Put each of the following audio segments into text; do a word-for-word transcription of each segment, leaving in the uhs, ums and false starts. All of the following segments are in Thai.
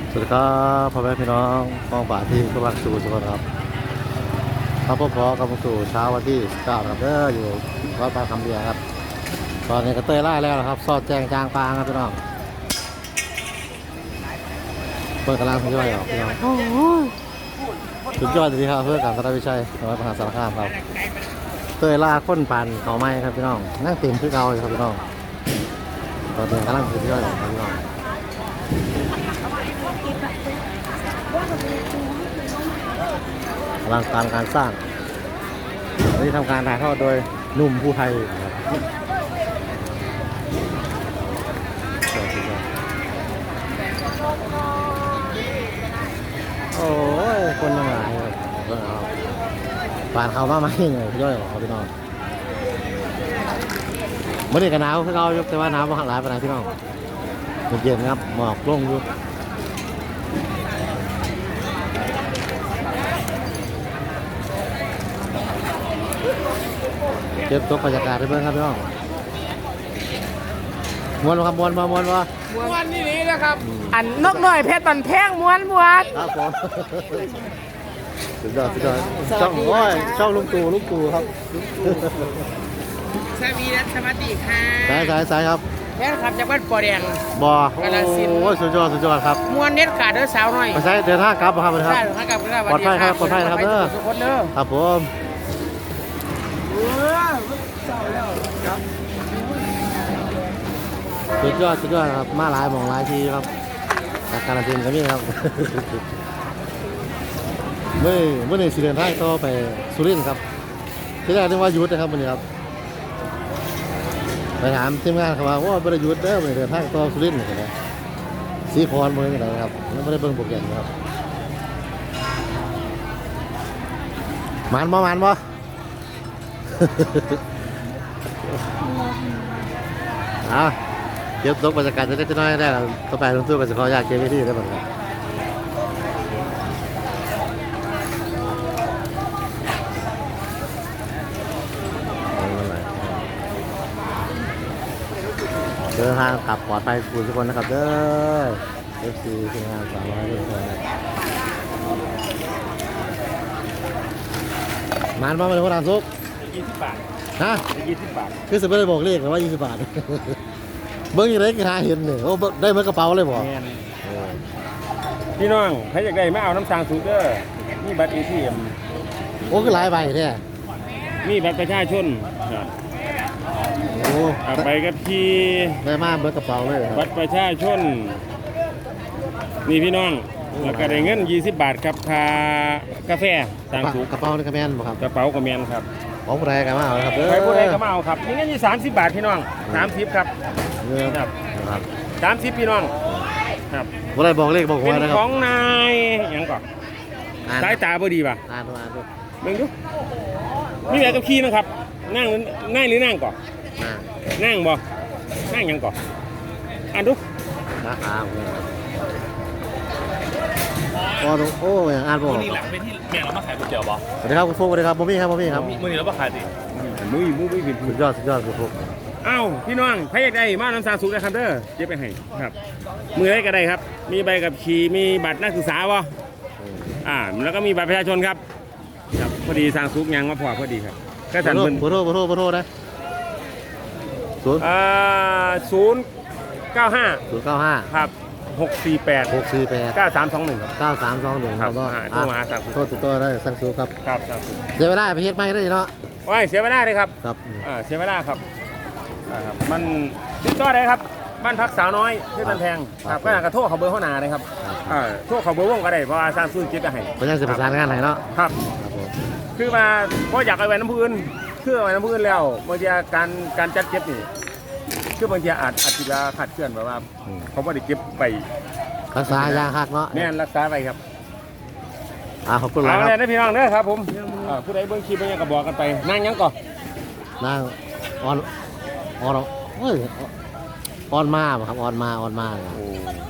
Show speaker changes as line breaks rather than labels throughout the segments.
สวัสดีครับพ่อแม่พี่น้องกองป่าที่กำลังสู่สุขครับครับพ่อพอกำลังสู่เช้าวันที่เก้าครับเด้ออยู่วัดปางคำเบียครับตอนนี้ก็เตยไล่แล้วนะครับซอดแจงจางปางครับพี่น้องเปิดกำลังสุดยอดออกพี่น้องสุดยอดจริงครับเพื่อการพัฒนาวิชัยจังหวัดมหาสารคามครับเตยล่าค้นปันเขาไม้ครับพี่น้องนั่งเต็มคือเก่าเลยครับพี่น้องตอนนี้กำลังสุดยอดออกครับพี่น้องอลังการการสร้างวันนี้ทำการถ่ายทอดโดยหนุ่มผู้ไทยโอ้ยคนยังหลายเลยผ่านเขามาไหมยังไงพี่ย่อยของพี่น้องเมื่อเด็กกันหนาวพี่เราแต่ว่าหนาวมากหลายไปไหนพี่น้องเย็นครับหมอกลงอยู่เก็บตัวบรรยากาศให้เพื่อนครับพี่น้องมวนครับมวนมามวนวะ
ม้วนนี่นี่นะครับอันนกหน่อยเพชรบันแพงม้วนม้วน
ครับผมสุดยอดสุดยอดช่องโอ้ยช่องลุงตู่ลุงตู่ครับ
สวีรัสวัสดีค่ะ
สายสายสายครับ
แม่ครับจากบ้านปอแดง
บ่โอ้ยสุดยอดสุดยอดครับ
ม้วนเน็ตขาดเด้อสาวหน่อย
ไปใช้เดินทางกลับครับครับปลอดภัยครับปลอดภัยครับเด้อ
ทุกคนเด้อ
ครับผมสุดยอดสุดยอดครับมาหลายมองหลายทีครับจากการเดินก็มีครับเมื่อเมื่อในสิเดินทางต่อไปสุรินทร์ครับที่แรกนึกว่ายุทธนะครับวันนี้ครับไปถามทีมงานเขาว่าว่าบริยุทธ์เด้อไปเดินทางต่อสุรินทร์นะสีพรเมืองอะไรครับไม่ได้เบิ่งโปรแกรมครับมันบ่มันบ่อ่ะเก็บตกบรรยากาศจะได้จะน้อยได้ต่อไปลงตู้กันจะขออยากเก็บไว้ที่ได้หมดครับเดินทางกลับปลอดภัยทุกคนนะครับเด้อ เอฟ ซี ทีมงานสามร้อยทุกคนมันมาเป็นคนทำซุก
ยี่สิบบาท
ฮะ
ยี่สิบบาท
คือจะไม่ได้บอกเลขหรือว่ายี่สิบบาทเบิ้งยังไงก็หาเห็นเนี่ยโอ้ได้เมื่อกระเป๋าเลยบอก
พี่น้องใครอยากได้มาเอาน้ำตาลสูงเด้อนี่บัตร เอ ที เอ็ม
โอ้คือหลายใบเนี่ย
นี่บัตรประชาชน
โอ้
ไปกับที่
ได้มาเมื่อกระเป๋าเลย
บัตรประชาชนนี่พี่น้องแล้วก็ได้เงินยี่สิบบาทครับค่ากาแฟตามสูง
กระเป๋านี่กระแมนบ่ครับ
กระเป๋ากระแมนครับ
ของผู้ใดก็มาเอาครับ
ใครผู้ใดก็มาเอาครับนี่เงินยี่สามสิบบาทพี่น้องสามสิบครับ
เงินครับ
สามสิบพี่น้องครับ
ผู้ใดบอกเลขบอกหัวนะครับ
ของนายยังก่อนสายตาพอดีป่ะ
อ่านดูอ่านดู
เบิ่งดูนี่แบบกับขี้นะครับนั่งนั่งหรือนั่งก่อนนั่งบ่นั่งยังก่อนอ่านดู
ราคาโอ้โอ้ยอ่านบ่
นี่แหละเป็นที่แม่เรามาขายก๋วยเตี๋ยวบ่
สวัสดีครับคุณฟุกสวัสดีครับบ่มีครับบ่มีครับ
มื้อนี้เรามาขายดิมื้อมื้อมื้อเป็น
สุดยอดสุดยอดคุณฟุก
อ้าวพี่น้องใครอยากได้มาน้ำซาสูงได้ครับเด้อเก็บไปให้ครับมือได้ก็ได้ครับมีใบขับขี่มีบัตรนักศึกษาบ่อ่าแล้วก็มีบัตรประชาชนครับครับพอดีสร้างซุกยังมาพอพอดีครับ
ก็สั่นเพิ่นโทรโทรโทรนะศูนย์
อ่าศูนย์เก้าห้า
ศูนย์เก้าห้า
ครับหกสี่แปด
หกสี่แปด
เก้าสามสองหนึ่งครับ
เก้าสามสองหนึ่งครับก็
โทรมาสั่ง
โทรติดต่อได้สั่งซื้อครับ
ครับครับ
เสียเวลาไปเฮ็ดไม่ได้เนาะ
โอ้ยเสียเวลาเลยครับ
ครับ
อ่าเสียเวลาครับครับมันติดต่อได้ครับบ้านพักสาวน้อยที่มันแพงครับก็กระโทษเขาเบอร์ข้อหนาเลยครับอ่าโทษเขาเบอร์วงก็ได้เพราะว่าสร้างซื้อจิตให้
เพราะฉะนั้นจะประสานงานไหนเนาะ
ครับคือมาเพราะอยากเอาไว้น้ำพื้นคือเอาไว้น้ำพื้นแล้วบางทีการการจัดเก็บนี่คือบางทีอาจอาจจะขาดเคลื่อนแบบว่าเขาไม่ได้เก็บไป
รักษายาหักเนาะ
แน่นรักษาไปครับ
อ่าขอบคุณครับ
เอาเลยนะพี่น้องเด้อครับผมผู้ใดเบื้องคลิปเบื้องก็บอกกันไปนั่งยังก่อน
นั่งออนออนเฮ้ยออนมาครับออนมาออนมาโอ้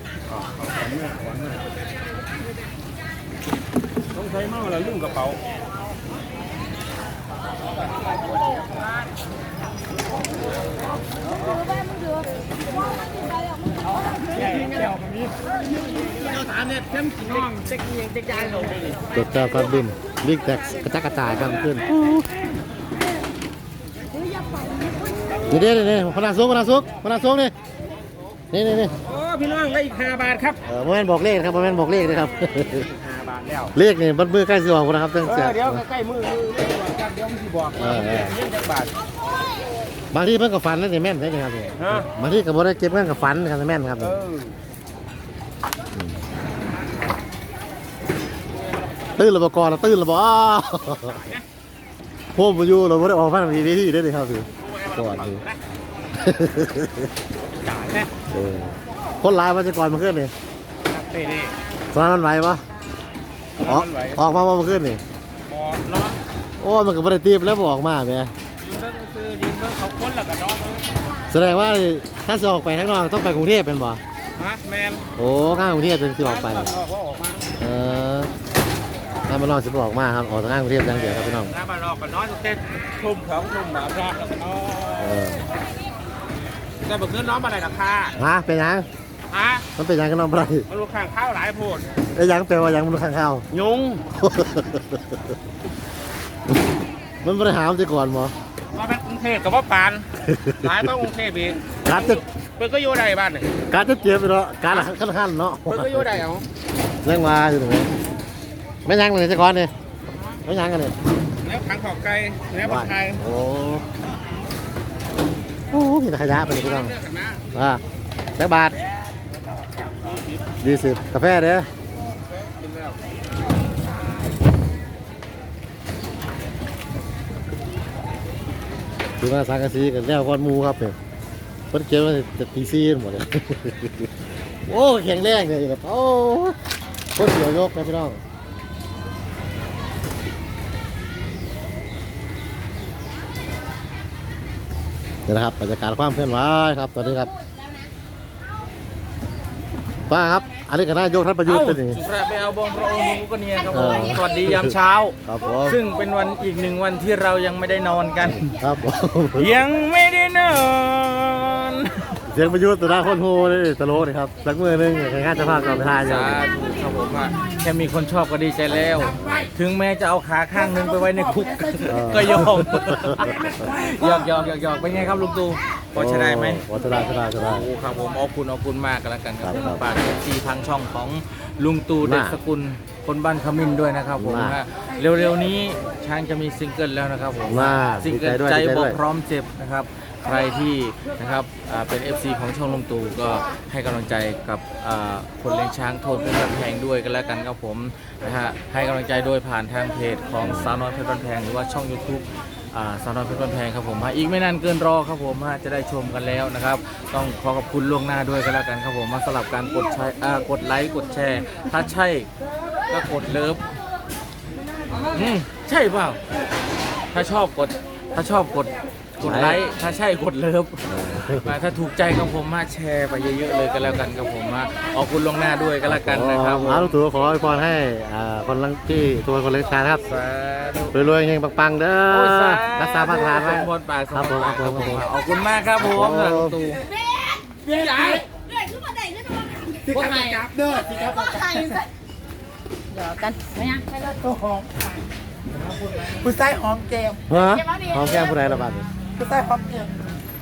ต้องใช้เมาแล้วลืมกระเป๋า
จดจ่อการบินลิกแท็กกระจักกระจายกันขึ้นนี่เด้นี่พนักซุกพนักซุกพนักซุกนี่นี่นี่นี่
โอ้พี่น้องได้อีกห้าบาทครับ
เออโมเมนต์บอกเลขนะครับโมเมนต์บอกเลขนะครับ
ห้าบาทแล้ว
เลขนี่บัดมือใกล้สิออกนะครับตั้ง
เอ
แต่
อเดี๋ยวใกล้ๆมือมือเดี๋ยวบอกกันเดี๋ยวมันสิบอกเงินจักบาท
บางทีเพิ่นก็ฝันนั่นนี่แม่นใช่ไหมครับ
ฮะ
บางทีก็บ่ได้เก็บเงินกับฝันนะครับแม่นครับ
เออ
ตื่นระบกรตื่นระบอ้าวพวกมาอยู่เราไม่ได้ออกพันนาทีนี้ที่ได้เลยครับสิก่อนสิ
จ่ายแค่
เออคนร้ายมาจะก่อนมาขึ้นนี่
เต้นี่
ตอนนั้นมันไหวปะออกออกมาว่ามาขึ้นนี่
บอเนาะ
โอ้มันก็ไม่ได้ตีบแล้วบอกมาแม่
ยืนเบิ่งซื้อยืนเบิ่งเขาค้นแล้วก็นอน
แสดงว่าถ้าจะออกไปข้างนอกต้องไปกรุงเทพเป็นบ่
ฮะแมน
โอ้ข้างกรุงเทพเป็นที่ออกไป
ออกออกมา
เออถ้ามานอกจะบอกมาครับออกทางข้างกรุงเทพอย่างเดียวครับพี่น้อง
น้าบ้านออกก็นอนเต้นทุ่มของทุ่มแบบแรกแล้วก็นอ
เอน อ
แต่เมื่อคืนน้องมาอะไรราคา
ฮะเป็นยัง
ฮะ
มันเป็นยังกันน้องอะไร
มันลูกข้างข้าวหลายโพด
ไอ้ยังแปลว่ายังมันข้างข้าว
ยุง
มันบริหารจะก่อนมั้
มาเป็นกรุงเทพกับว่าปานหลายต้องกรุงเทพอีก
การจะ
เปิดก็อยู่ใดบ้านนี่
การจะเจ็บไปเนาะการละขั้นขั้นเนาะ
เปิดก็อยู่ใดเอา
เรื่องมาอยู่ตรงนี้ไม่ยังเลยจะก่อนเนี่ยไม่ยังกันเลย
แล้วขังขอบไก่แล้วผักไทย
โอ้โหมีแต่ขยะไปเลยพี่น้อง
เลือกกันนะ
อ่าแบกบาทยี่สิบกาแฟเด้อ
กินแล้ว
ถือว่าสังกะสีกันแล้วก้อนหมูครับเนี่ยเพิ่นเกี่ยวว่าจะตีซีหมดเลย โอ้แข็งแรงเลยแบบโอ้โคตรเสียวยกนะพี่น้องนี่นะครับบรรยากาศความเคลื่อนไหวครับตอนนี้ครับป้าครับอันนี้ก็นายกท่านประยุทธ์เป็นอย่างนี้
สุราไปเอาบองพระองค์มูก็เนี่ยครับ
เอ
ผ
อ
มสวัสดียามเช้า
ครับผม
ซึ่งเป็นวันอีกหนึ่งวันที่เรายังไม่ได้นอนกัน
ครับผม
ยังไม่ได้นอน
เสียงประยุทธ์ตัวหน้าคนโหเลยตลกเลยครับสักมือหนึงในงานจะพากับทานอยู่
สาธุครับผมว่าแค่มีคนชอบก็ดีใจแล้ว ถึงแม้จะเอาขาข้างหนึงไปไว้ในคุก ก็ยอมหยอกหยอกหยอกหยอกเป็นไงครับลุงตู่พอใช้ได้ไหม
พอจะได้จะได้จะได้
โอ้ครับผมเอาคุณเอาคุณมากกันแล้วกันครับ
ครับ
ฝากเอฟซีทางช่องของลุงตู่เด็กสกุลคนบ้านขมิ้นด้วยนะครับผม
มาก
ฮะเร็วๆนี้ช้างจะมีซิงเกิลแล้วนะครับผม
มาก
ซิงเกิล
ดีใจด้วย
ใจ
ดีใจ
บ
ด้
อ
ว
ก
ย
พร้อมเจ็บนะครับใครที่นะครับอ่าเป็น เอฟ ซี ของช่องลุงตู่ก็ให้กำลังใจกับอ่าคนเลี้ยงช้างโทนเพชรบ้านแพงด้วยกันแล้วกันครับผมนะฮะให้กำลังใจโดยผ่านทางเพจของสาวน้อยเพชรบ้านแพงหรือว่าช่อง YouTube อ่าสาวน้อยเพชรบ้านแพงครับผมฮะอีกไม่นานเกินรอครับผมฮะจะได้ชมกันแล้วนะครับ ต้องขอขอบคุณล่วงหน้าด้วยกันแล้วกันครับผมมาสลับการกดใช้อ่ากดไลค์กดแชร์ ถ้าใช่ก็กดเลิฟอืมใช่เปล่าถ้าชอบกดถ้าชอบกดกดไลค์ถ้าใช่กดเลิฟมาถ้าถูกใจกับผมมาแชร์ไปเยอะๆเลยกันแล้วกันครับผมมาขอบคุณล่วงหน้าด้วยกันแล้วกันนะครับผม
อาลูกตู่ขออวยพรให้อ่าคนลังที่ตัวคนเล็กชายครับ
สาธุ
รวยๆเฮงปังๆเด้อ
โอ้ยสา
รักษามาตรฐานไว้
สมบูรณ์ปากส
ครับ
ม
ผม
บูรณ์ปาก
ครับผม
ขอบคุณมากครับผม
ครับผม
ลุงตู่
เรื่อยเรื่อยขึ้นมาได้เรื่อยขึ้นมาพวกไงจับเด้อสิครับพวกไงเดี๋ยวกันไม่ยังไปเลย
ผู้ชายหอมแก้ม
ฮะหอมแก้มผู้ใดละบาดนี้
ผู้ชายหอมแก้ม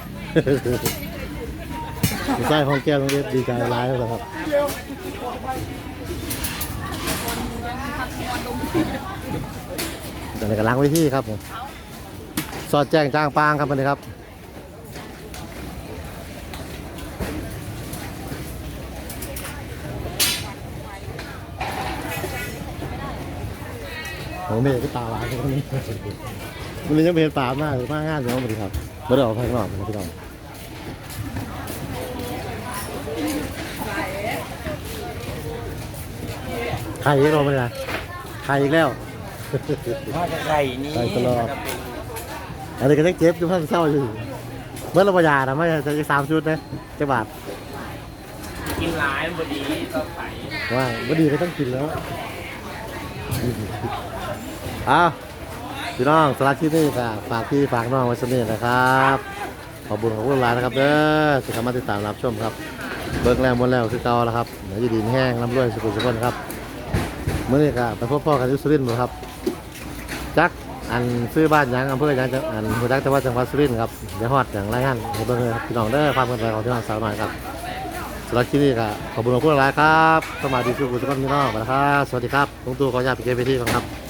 ผู้ชายหอมแก้มต้องเรียกดีใจร้ายแล้วครับเดี๋ยวในกำลังไว้ที่ครับผมสอดแจ้งจ้างปางครับวันนี้ครับโอ้เมย์ก็ตาหวานคนนี้มันยังไม่เห็นปากมากหรือมากงานอยู่มั้งครับไม่ได้ออกไปข้างนอกนะพี่น้องไข่อีกแล้วมั้ยนะไข่อีกแล้ว
มาจากไข่นี่
ไข่ตลอดอันนี้ก็ยังเจ็บอยู่ท่านเศร้าอยู่เมื่อเราประหยัดนะไม่ใช่จะสามชุดนะจะบาท
กินหลายพอดีก็ไข่
ว่าวันดีก็ต้องกินแล้วอ้าวพี่น้องสลัดที่นี่ค่ะฝากพี่ฝากน้องไว้สนิทนะครับขอบคุณขอบคุณหลายนะครับเด้อที่เข้ามาติดตามรับชมครับเบิกแล้วหมดแล้วคือเก่าแล้วครับเดี๋ยวจะดีแห้งน้ำรวยสุขุมสุขนครับเมื่อนี้ก็ไปพบพ่อกันที่สุรินทร์บ่ครับจักอันซื้อบ้านยังอำเภอยังจังอันหัวจักจังหวัดจังหวัดสุรินทร์ครับเดี๋ยวฮอดอย่างไรงั้นให้เบิ่งเลยครับพี่น้องเด้อความกันไปของพี่น้องสาวหน่อยครับสำหรับที่นี่ก็ขอบคุณขอบคุณหลายครับสมาดีสุขุมสุขนพี่น้องนะครับสวัสดีครับลุงตู่ขออนุญาตไปเก็บไปที่ก่อนครับ